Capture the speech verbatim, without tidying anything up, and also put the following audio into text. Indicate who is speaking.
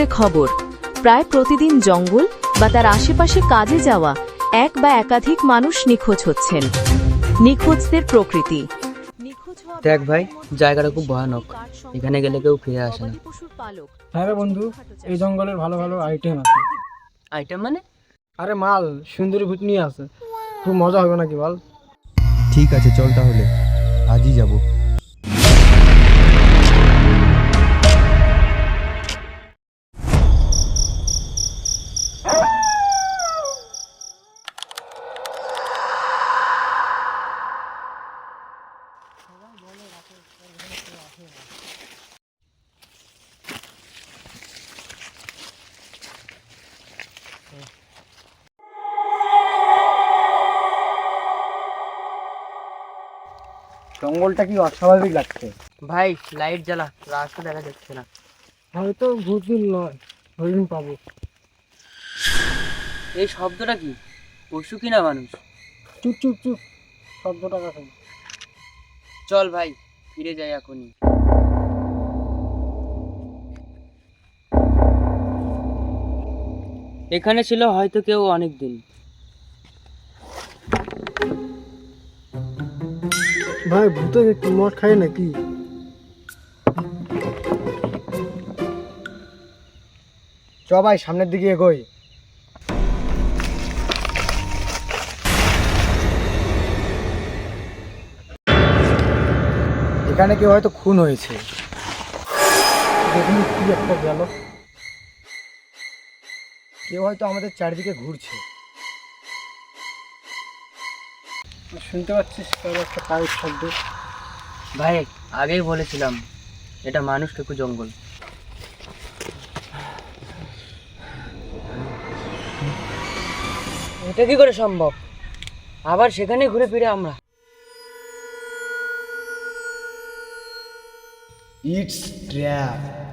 Speaker 1: খবর, প্রায় প্রতিদিন জঙ্গল বা তার আশেপাশে কাজে যাওয়া এক বা একাধিক মানুষ নিখোঁজ হচ্ছেন। নিখোঁজদের প্রকৃতি।
Speaker 2: দেখ ভাই, জায়গাটা খুব ভয়ানক, এখানে গেলে কেউ ফিরে আসে না।
Speaker 3: হ্যাঁ রে বন্ধু, এই জঙ্গলের ভালো ভালো আইটেম আছে।
Speaker 2: আইটেম মানে?
Speaker 3: আরে মাল, সুন্দরী ভূত নিয়ে আছে, খুব মজা হবে নাকি বল?
Speaker 4: ঠিক আছে, চল তাহলে আজই যাব।
Speaker 3: জঙ্গলটা কি অস্বাভাবিক লাগছে।
Speaker 2: ভাই লাইট জ্বালা, রাস্তা দেখা যাচ্ছে না।
Speaker 3: হয়তো ভূত নয়, হরিণ পাবো।
Speaker 2: এই শব্দটা কি? পশু কিনা মানুষ?
Speaker 3: চুপ চুপ চুপ, শব্দটা কথা।
Speaker 2: চল ভাই, ফিরে যাই এখনই। এখানে ছিল হয়তো কেউ অনেক দিন।
Speaker 3: ভাই, ভূতে কি মদ খায় নাকি? চ ভাই, সামনের দিকে এগোই। এখানে কেউ হয়তো খুন হয়েছে। দেখুন কি একটা গেল, কেউ হয়তো আমাদের চারিদিকে ঘুরছে। শুনতে পাচ্ছিস কারো একটা পায়ের শব্দ?
Speaker 2: ভাই আগেই বলেছিলাম, এটা মানুষ টুকু জঙ্গল। এটা কি করে সম্ভব? আবার সেখানে ঘুরে ফিরে আমরা।
Speaker 3: It's trap.